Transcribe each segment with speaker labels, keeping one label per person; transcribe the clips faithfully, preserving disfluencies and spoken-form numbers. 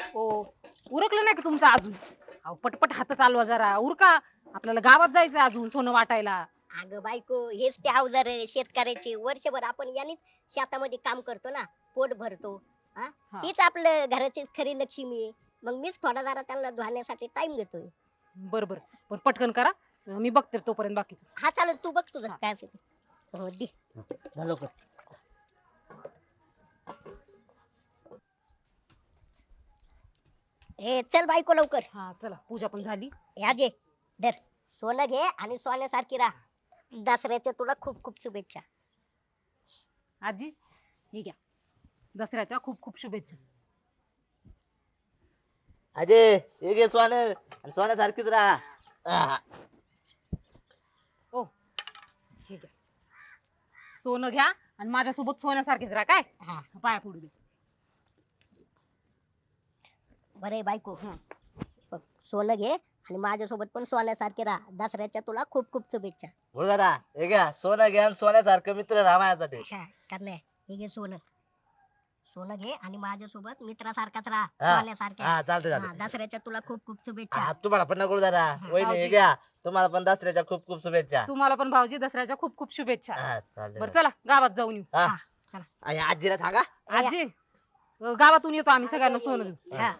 Speaker 1: ओ उरकलं नाही का तुमचं अजून? अहो पटपट हात चालवा जरा उरका. आपल्याला गावात जायचं अजून सोनं वाटायला.
Speaker 2: अगं बायको हेच ते अवजार आहे शेतकऱ्याचे. वर्षभर आपण यानेच शेतामध्ये काम करतो ना, पोट भरतो. हा
Speaker 1: हा.
Speaker 2: तीच आपलं घराची खरी लक्ष्मी आहे. मग मीच थोडा जरा त्यांना धुण्यासाठी टाइम देतोय.
Speaker 1: बर बर पण पटकन करा. मी बघते तोपर्यंत बाकीचं.
Speaker 2: हा चालेल, तू बघ तुझं
Speaker 1: हा.
Speaker 2: काय असेल ते. हो दे.
Speaker 3: झालं का?
Speaker 2: ए चल बायको लवकर.
Speaker 1: हा चला पूजा पण झाली.
Speaker 2: या जे धर सोनं घे आणि सोन्यासारखी राहा. दसऱ्याच्या तुला खूप खूप शुभेच्छा.
Speaker 1: आजी हे घ्या. दसऱ्याच्या खूप खूप शुभेच्छा.
Speaker 3: अजय हे घे सोनं आणि सोन्यासारखीच राहा. आहा.
Speaker 1: ओ हे घ्या. सोनं घ्या आणि माझ्यासोबत सोन्यासारखेच राहा काय.
Speaker 2: हा
Speaker 1: पाया पडू दे.
Speaker 2: बरे बायको. बघ, सोनं घे आणि माझ्यासोबत पण सोन्यासारखे राहा. दसऱ्याच्या तुला खूप खूप शुभेच्छा.
Speaker 3: बोल दादा हे घ्या सोनं घ्या आणि सोन्यासारखं मित्र राहा माझ्यासाठी.
Speaker 2: हा, करणे हे घे सोनं. सोनं घे आणि माझ्यासोबत मित्रासारखाच राहा.
Speaker 3: हा.
Speaker 2: सोन्यासारख्या.
Speaker 3: हा चालतंय
Speaker 2: हा,
Speaker 3: चालतंय.
Speaker 2: दसऱ्याच्या तुला खूप खूप शुभेच्छा.
Speaker 3: हा, तुम्हाला पण नको दादा वहिनी हे
Speaker 1: भाऊजी.
Speaker 3: घ्या तुम्हाला पण दसऱ्याच्या खूप खूप शुभेच्छा.
Speaker 1: तुम्हाला पण भाऊजी दसऱ्याच्या खूप खूप शुभेच्छा.
Speaker 3: हा, चालतंय.
Speaker 1: बरं चला गावात जाऊन येऊ.
Speaker 3: हा.
Speaker 2: हा, चला.
Speaker 3: आणि आजीला सांगा.
Speaker 1: आजी अ, गावातून येतो आम्ही सगळ्यांना सोनं देऊ.
Speaker 2: हा.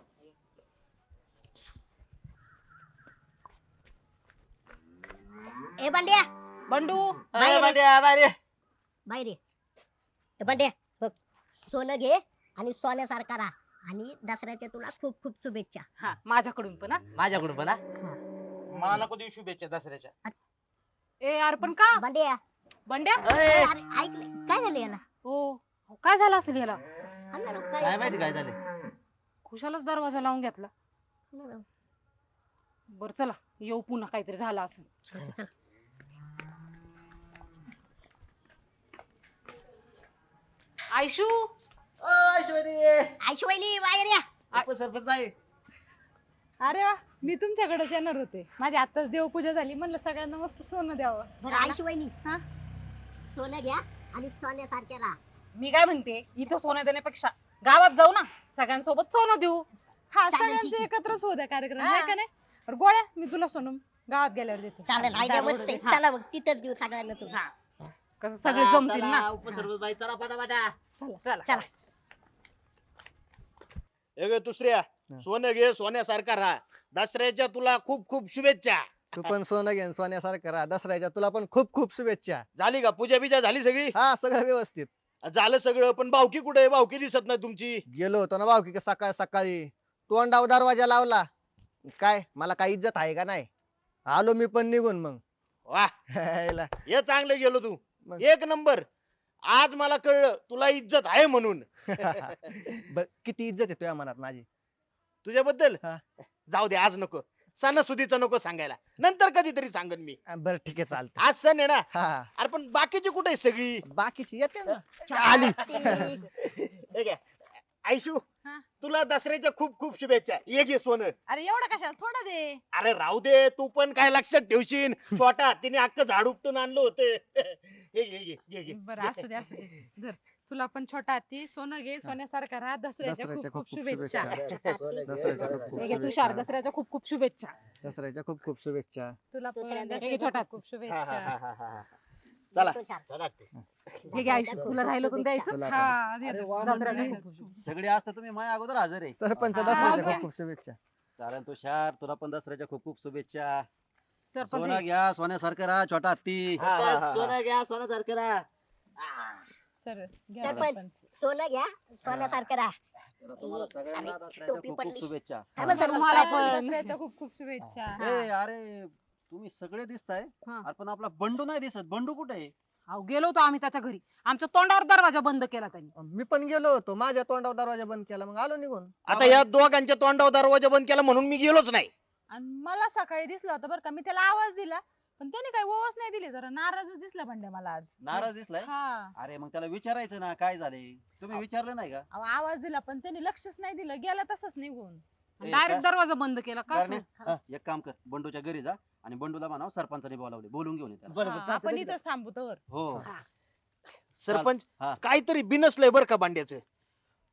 Speaker 2: ए बंड्या
Speaker 1: बंडू
Speaker 3: ए,
Speaker 2: बाहेर ये.
Speaker 3: बांड्या, बाहेर ये.
Speaker 2: बाहेर ये. ए बंड्या बघ, सोनं घे आणि सोन्यासारखा राहा आणि दसऱ्याच्या तुला खूप खूप शुभेच्छा.
Speaker 1: हा माझ्याकडून पण हा.
Speaker 3: माझ्याकडून पण हा.
Speaker 2: हा.
Speaker 4: मला नको देऊ शुभेच्छा दसऱ्याच्या.
Speaker 1: ए यार पण का
Speaker 2: बंड्या
Speaker 1: बंड्या
Speaker 2: ए,
Speaker 3: ए,
Speaker 2: अरे ऐक ना, काय झालं याला?
Speaker 1: हो काय झालं असेल याला.
Speaker 2: हा ना राव,
Speaker 3: काय माहिती काय झाले.
Speaker 1: खुशालच दरवाजा लावून घेतला.
Speaker 2: हा ना राव.
Speaker 1: बर चला येऊ पुन्हा काहीतरी झालं असेल.
Speaker 2: चल, चल.
Speaker 1: आयशू
Speaker 3: ओ ऐश्वरी
Speaker 2: आईशिवायनी बाहेर या.
Speaker 3: उपसरपंच बाई.
Speaker 5: अरे वा मी तुमच्याकडेच येणार होते. माझी आताच देवपूजा झाली, म्हणलं सगळ्यांना मस्त सोनं द्यावं.
Speaker 2: बरं आईशिवायनी
Speaker 5: हा?
Speaker 2: सोनं घ्या आणि सोन्यासारखे राहा.
Speaker 1: मी काय म्हणते इथं सोनं देण्यापेक्षा गावात जाऊ ना सगळ्यांसोबत सोनं देऊ.
Speaker 5: हा
Speaker 2: चालेल, ठीक
Speaker 5: सगळ्यांचे
Speaker 2: आहे.
Speaker 5: एकत्रच होऊ द्या कार्यक्रम
Speaker 1: हा.
Speaker 5: आहे का नाही. बरं, गोळ्या मी तुला सोनं गावात गेल्यावर देते.
Speaker 2: चालेल आयडिया
Speaker 1: बरोबर
Speaker 2: मस्त आहे.
Speaker 1: आहे. हा.
Speaker 2: चला मग तिथंच देऊ सगळ्यांना तू.
Speaker 1: हा कसं सगळे जमतील ना.
Speaker 3: उपसरपंच बाई चला पटापटा.
Speaker 1: चला
Speaker 2: चला.
Speaker 4: हे घे दुसऱ्या सोनं घे सोन्यासारखा राहा. दसऱ्याच्या तुला खूप खूप शुभेच्छा.
Speaker 6: तू पण सोनं घेऊन सोन्यासारखं राहा. दसऱ्याच्या तुला पण खूप खूप शुभेच्छा.
Speaker 4: झाली का पूजा बिजा झाली सगळी?
Speaker 6: हा सगळं व्यवस्थित.
Speaker 4: झालं सगळं पण भावकी कुठे आहे? भावकी दिसत नाही तुमची.
Speaker 6: गेलो होतो ना भावकी का सकाळ सकाळी तोंडावर दरवाजा लावला. काय मला काय इज्जत आहे का नाही. आलो मी पण निघून मग.
Speaker 4: वा
Speaker 6: हायला.
Speaker 4: हे चांगलं गेलो तू.
Speaker 6: मग.
Speaker 4: एक नंबर. आज मला कळलं तुला इज्जत आहे म्हणून.
Speaker 6: बर किती इज्जत आहे तुझ्या मनात माझी.
Speaker 4: तुझ्याबद्दल
Speaker 6: हा.
Speaker 4: जाऊ दे आज नको. सणासुदीचं नको सांगायला. नंतर कधीतरी सांगन मी.
Speaker 6: बर ठीक आहे चालतं.
Speaker 4: आज सण आहे ना.
Speaker 6: हा
Speaker 4: अरे पण बाकीची कुठे आहे सगळी?
Speaker 6: बाकीची येते ना.
Speaker 2: आली.
Speaker 4: हे घ्या. आयशू
Speaker 5: हा?
Speaker 4: तुला दसऱ्याच्या खूप खूप शुभेच्छा. ये घे सोनं.
Speaker 5: अरे एवढं कशाला, थोडं दे.
Speaker 4: अरे राहू दे तू पण काय लक्षात ठेवशील. छोटा तिने अख्खं झाड उपटून आणलं होतं. हे घे घे घे घे.
Speaker 5: बरं असू दे असू दे. धर तुला पण छोटा हत्ती सोनं घे सोन्यासारखा राहा. दसऱ्याच्या
Speaker 6: दसऱ्याच्या
Speaker 5: खूप खूप शुभेच्छा.
Speaker 6: दसऱ्याच्या खूप
Speaker 1: हे घे
Speaker 6: खूप
Speaker 1: तुषार
Speaker 6: शुभेच्छा.
Speaker 1: दसऱ्याच्या खूप खूप शुभेच्छा.
Speaker 6: दसऱ्याच्या खूप खूप शुभेच्छा.
Speaker 5: तुला पण
Speaker 2: दुसऱ्यांदा
Speaker 1: हे
Speaker 5: दसऱ्याच्या
Speaker 1: छोटा.
Speaker 5: खूप खूप
Speaker 4: हा, हा,
Speaker 5: शुभेच्छा.
Speaker 4: हा, हा, हा. चला
Speaker 2: तो छान.
Speaker 4: चला ते.
Speaker 1: हे घे आयशू तुला राहिलं पण द्यायचं.
Speaker 6: तुला पण.
Speaker 5: हा दे दे.
Speaker 1: दसऱ्याच्या खूप खूप शुभेच्छा.
Speaker 7: सगळे असता तुम्ही माझ्या अगोदर हजर आहे.
Speaker 6: सरपंच
Speaker 1: हा,
Speaker 6: दसऱ्याच्या
Speaker 5: हा.
Speaker 6: खूप खूप शुभेच्छा.
Speaker 7: चालेल तुषार तुला पण दसऱ्याच्या खूप खूप शुभेच्छा.
Speaker 1: सरपंच
Speaker 7: सोनं
Speaker 1: हे-
Speaker 7: घ्या सोन्यासारखं राहा छोटा हत्ती.
Speaker 4: हा, हा, हा, हा.
Speaker 3: सोनं घ्या सोन्यासारखं राहा.
Speaker 5: सर घ्या
Speaker 2: सरपंच
Speaker 5: सरपंच.
Speaker 2: सोनं घ्या सोन्यासारखं राहा.
Speaker 7: तुम्हाला सगळ्यांना
Speaker 2: अरे,
Speaker 7: दसऱ्याच्या
Speaker 2: टोपी
Speaker 7: खूप खूप
Speaker 2: पडली.
Speaker 7: शुभेच्छा.
Speaker 2: हा मग सरपंच.
Speaker 1: मला
Speaker 5: मला
Speaker 1: पण.
Speaker 5: दसऱ्याच्या खूप खूप शुभेच्छा.
Speaker 7: ए अरे तुम्ही सगळे दिसताय
Speaker 1: हा.
Speaker 7: अरे पण आपला बंडू नाही दिसत. बंडू कुठे आहे?
Speaker 1: अहो गेलो होतो आम्ही त्याच्या घरी. आमच्या तोंडावर दरवाजा बंद केला त्यांनी.
Speaker 6: मी पण गेलो होतो. माझ्या तोंडावर दरवाजा बंद केला मग आलो निघून.
Speaker 4: आता या दोघांच्या तोंडावर दरवाजा बंद केला म्हणून मी गेलोच नाही.
Speaker 5: आणि मला सकाळी दिसलं होतं बरं का. मी त्याला आवाज दिला पण त्याने काही ओवच नाही दिली. जरा नाराजच दिसला भांड्या मला आज.
Speaker 7: नाराज दिसलाय?
Speaker 5: हा
Speaker 7: अरे मग त्याला विचारायचं ना काय झाले. तुम्ही विचारलं नाही का?
Speaker 5: अहो, आवाज दिला पण त्याने लक्षच नाही दिलं. गेला तसंच निघून.
Speaker 7: ए,
Speaker 1: डायरेक्ट
Speaker 7: काय?
Speaker 1: दरवाजा बंद केला का
Speaker 7: करणे?
Speaker 1: असं?
Speaker 7: हा, एक काम कर बंडूच्या घरी जा आणि बंडूला म्हणाव सरपंचाने बोलावले बोलून घेऊन ये त्याला.
Speaker 6: बरं
Speaker 5: हा,
Speaker 6: बरं
Speaker 5: आपण
Speaker 6: चालतंय.
Speaker 5: इथंच थांबू तर.
Speaker 7: हो
Speaker 4: सरपंच
Speaker 7: हा.
Speaker 4: काहीतरी बिनसलंय बरं का बांड्याचं.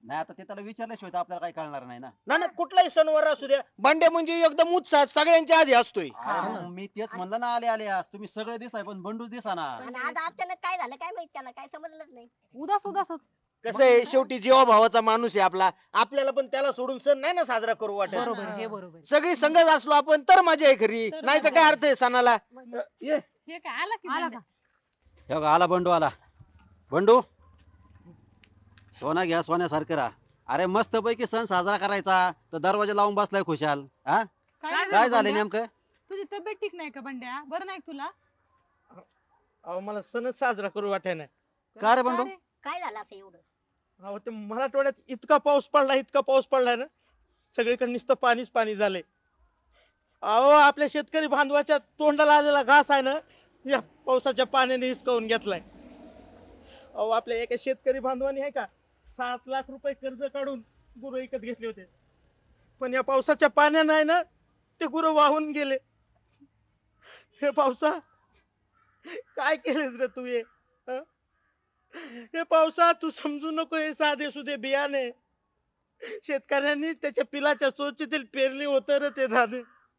Speaker 7: नाही आता ते त्याला विचारल्याशिवाय तर आपल्याला काही कळणार नाही ना.
Speaker 4: ना ना कुठलाही सणवार असू द्या बंड्या म्हणजे एकदम उत्साह सगळ्यांच्या आधी असतोय.
Speaker 7: अरे मग मी तेच म्हणलं ना आले आले आज तुम्ही सगळे दिसाय पण बंडू दिसा ना.
Speaker 2: आणि आज अचानक काय झालं काय माहित त्याला काय समजलंच नाही.
Speaker 1: उदास उदासच.
Speaker 4: कसं आहे शेवटी जीवा भावाचा माणूस आहे आपला, आपल्याला पण त्याला सोडून सण नाही ना साजरा करू वाटत.
Speaker 1: बरोबर आहे, हे बरोबर आहे.
Speaker 4: सगळी संगत असलो आपण तर मजा आहे खरी,
Speaker 5: तर
Speaker 4: नाही तर
Speaker 5: मजा
Speaker 4: काय अर्थ आहे सणाला. ये
Speaker 5: हे काय आला की
Speaker 1: आला
Speaker 5: बंड्या?
Speaker 1: का?
Speaker 7: हे बघा आला बंडू आला. बंडू सोना घ्या सोन्यासारखं राहा. अरे मस्त पैकी सण साजरा करायचा तर दरवाजा लावून बसलाय खुशाल. हा
Speaker 5: काय
Speaker 1: काय
Speaker 7: काय झालं
Speaker 5: बंड्या?
Speaker 7: नेमकं?
Speaker 5: तुझी तब्येत ठीक नाही का बंड्या? बरं नाही का तुला?
Speaker 4: अहो मला सणच साजरा करू वाटाय नाही.
Speaker 7: का रे बंडू?
Speaker 5: का रे?
Speaker 2: काय झालं असं एवढं?
Speaker 4: अहो ते मराठवाड्यात इतका पाऊस पडला इतका पाऊस पडलाय ना, सगळीकडे नुसतं पाणीच पाणी झालंय. अहो आपल्या शेतकरी बांधवाच्या तोंडाला आलेला घास आहे ना, या पावसाच्या पाण्याने हिसकावून घेतलाय. अहो आपल्या एका शेतकरी बांधवाने आहे का सात लाख रुपये कर्ज काढून गुरु विकत घेतले होते, पण या पावसाच्या पाण्याने आहे ना ते गुरु वाहून गेले. हे पावसा काय केलेस रे तू? हे हं? हे पावसा तू समजू नको हे साधे सुधे बियाणे शेतकऱ्यांनी त्याच्या पिलाच्या चोचीतील पेरली होत रे ते धाने.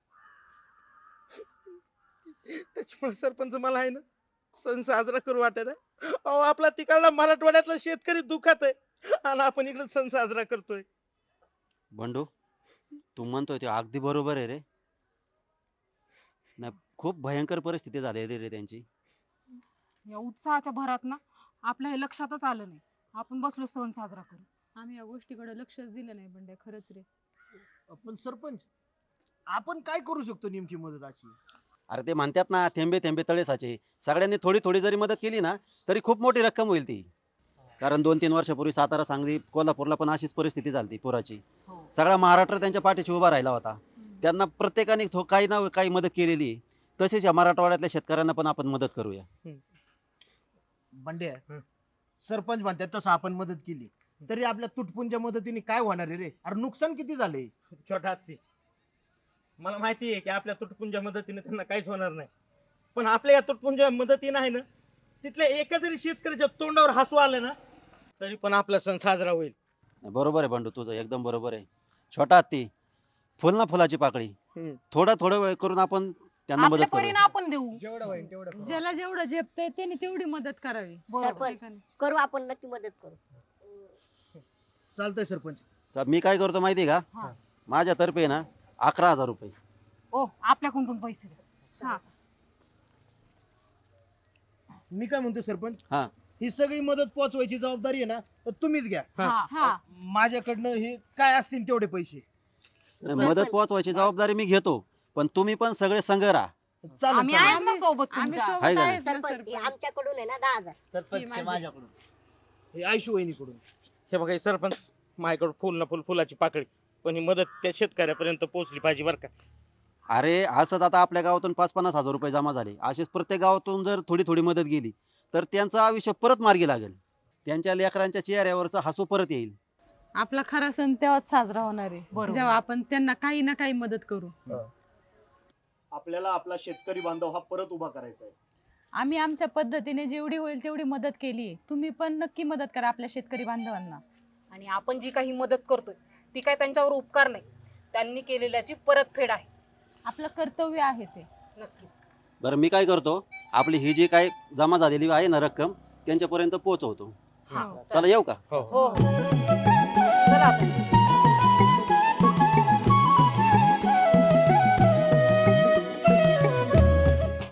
Speaker 4: त्याच्यामुळे सरपंच मला आहे ना सण साजरा करू वाटत आहे. अहो आपला तिकडला मराठवाड्यातला शेतकरी दुखात आहे आणि आपण इकडे सण साजरा करतोय.
Speaker 7: बंडू तू म्हणतोय ते अगदी बरोबर आहे रे. नाही खूप भयंकर परिस्थिती झाली रे त्यांची.
Speaker 1: या उत्साहाच्या भरात ना आपल्या हे लक्षातच आलं नाही, आपण बसलो सण साजरा करू.
Speaker 5: आम्ही या गोष्टीकडे लक्षच दिलं नाही बंड्या, खरंच रे.
Speaker 8: पण सरपंच आपण काय करू शकतो नेमकी मदत अशी?
Speaker 7: अरे ते म्हणतात ना थेंबे थेंबे तळे साचे. सगळ्यांनी थोडी थोडी जरी मदत केली ना तरी खूप मोठी रक्कम होईल ती. कारण दोन तीन वर्षापूर्वी सातारा सांगली कोल्हापूरला पण अशीच परिस्थिती झाली पुराची.
Speaker 1: हो.
Speaker 7: सगळा महाराष्ट्र त्यांच्या पाठीशी उभा राहिला होता. त्यांना प्रत्येकाने थो- काही ना काही मदत केलेली आहे. तसेच या मराठवाड्यातल्या शेतकऱ्यांना पण आपण मदत करूया.
Speaker 8: बंड्या
Speaker 4: हं.
Speaker 8: सरपंच म्हणतात तसं आपण मदत केली तरी आपल्या तुटपुंच्या मदतीने काय होणार आहे रे? अरे नुकसान किती झाले?
Speaker 4: छोटा हत्ती, मला माहिती आहे की आपल्या तुटपुंच्या मदतीने त्यांना काहीच होणार नाही, पण आपल्या या तुटपुंच्या मदतीने आहे ना तिथल्या एका जरी शेतकऱ्याच्या तोंडावर हसू आलं ना तरी पण आपला सण साजरा होईल.
Speaker 7: बरोबर आहे बंडू तुझं एकदम बरोबर आहे. छोटा हत्ती फुल ना फुलाची पाकळी.
Speaker 4: हम्म.
Speaker 7: थोडं थोडं वेळ करून आपण त्यांना
Speaker 1: आपल्या
Speaker 7: मदत
Speaker 1: परीने
Speaker 7: करूया.
Speaker 1: आपण देऊ.
Speaker 6: जेवढं होईल तेवढं करू.
Speaker 5: ज्याला जेवढं झेपतंय त्याने तेवढी मदत करावी.
Speaker 1: बरोबर.
Speaker 2: सरपंच करू आपण नक्की मदत करू.
Speaker 8: चालतंय सरपंच.
Speaker 7: चा- मी काय करतो माहिती आहे
Speaker 1: हा.
Speaker 7: का? माझ्यातर्फे ना अकरा हजार रुपये.
Speaker 1: ओ आपल्याकडून पण पैसे द्या.
Speaker 5: हा.
Speaker 8: मी काय म्हणतो सरपंच,
Speaker 7: हा
Speaker 8: ही सगळी मदत पोहोचवायची जबाबदारी आहे ना तर तुम्हीच घ्या.
Speaker 1: हा.
Speaker 5: हा.
Speaker 8: माझ्याकडनं हे काय असतील तेवढे पैसे.
Speaker 7: मदत पोहोचवायची जबाबदारी मी घेतो पण तुम्ही पण सगळे संघ राहा.
Speaker 8: चालेल
Speaker 1: आम्ही
Speaker 8: चालेल.
Speaker 1: आहेच ना सोबत
Speaker 5: आम्ही
Speaker 1: तुमच्या.
Speaker 5: सोबत
Speaker 7: आहे का नाही?
Speaker 5: आहेच ना
Speaker 2: सरपंच हे
Speaker 5: सरपंच.
Speaker 2: आमच्याकडून आहे ना दहा हजार.
Speaker 5: ही
Speaker 3: सरपंच ते
Speaker 5: माझी.
Speaker 3: माझ्याकडून.
Speaker 8: हे आयशू वहिनीकडून.
Speaker 4: हे बघा हे सरपंच माझ्याकडे फुल ना फुल फुलाची पाकळी, पण ही मदत त्या शेतकऱ्यापर्यंत पोहोचली पाहिजे बरं का.
Speaker 7: अरे असंच आता आपल्या गावातून पाच पन्नास हजार रुपये जमा झाले. असेच प्रत्येक गावातून जर थोडी थोडी मदत गेली तर त्यांचं आयुष्य परत मार्गी लागेल. त्यांच्या लेकरांच्या चेहऱ्यावरचं हसू परत येईल.
Speaker 5: आपला खरा सण तेव्हाच साजरा होणार आहे
Speaker 1: बरोबर.
Speaker 5: जेव्हा आपण त्यांना काही ना काही मदत करू.
Speaker 8: आपल्याला आपला शेतकरी बांधव हा परत उभा करायचा आहे.
Speaker 5: आम्ही आमच्या पद्धतीने जेवढी होईल तेवढी मदत केली. तुम्ही पण नक्की मदत करा आपल्या शेतकरी बांधवांना.
Speaker 1: आणि आपण जी काही मदत करतोय ती काय त्यांच्यावर उपकार नाही, त्यांनी केलेल्याची परतफेड आहे.
Speaker 5: आपलं कर्तव्य आहे ते.
Speaker 1: नक्की.
Speaker 7: बरं मी काय करतो आपली ही जी काय जमा झालेली आहे ना रक्कम त्यांच्यापर्यंत पोहोचवतो.
Speaker 1: हा.
Speaker 5: हो.
Speaker 7: चला येऊ का?
Speaker 1: हो हो. चला आता.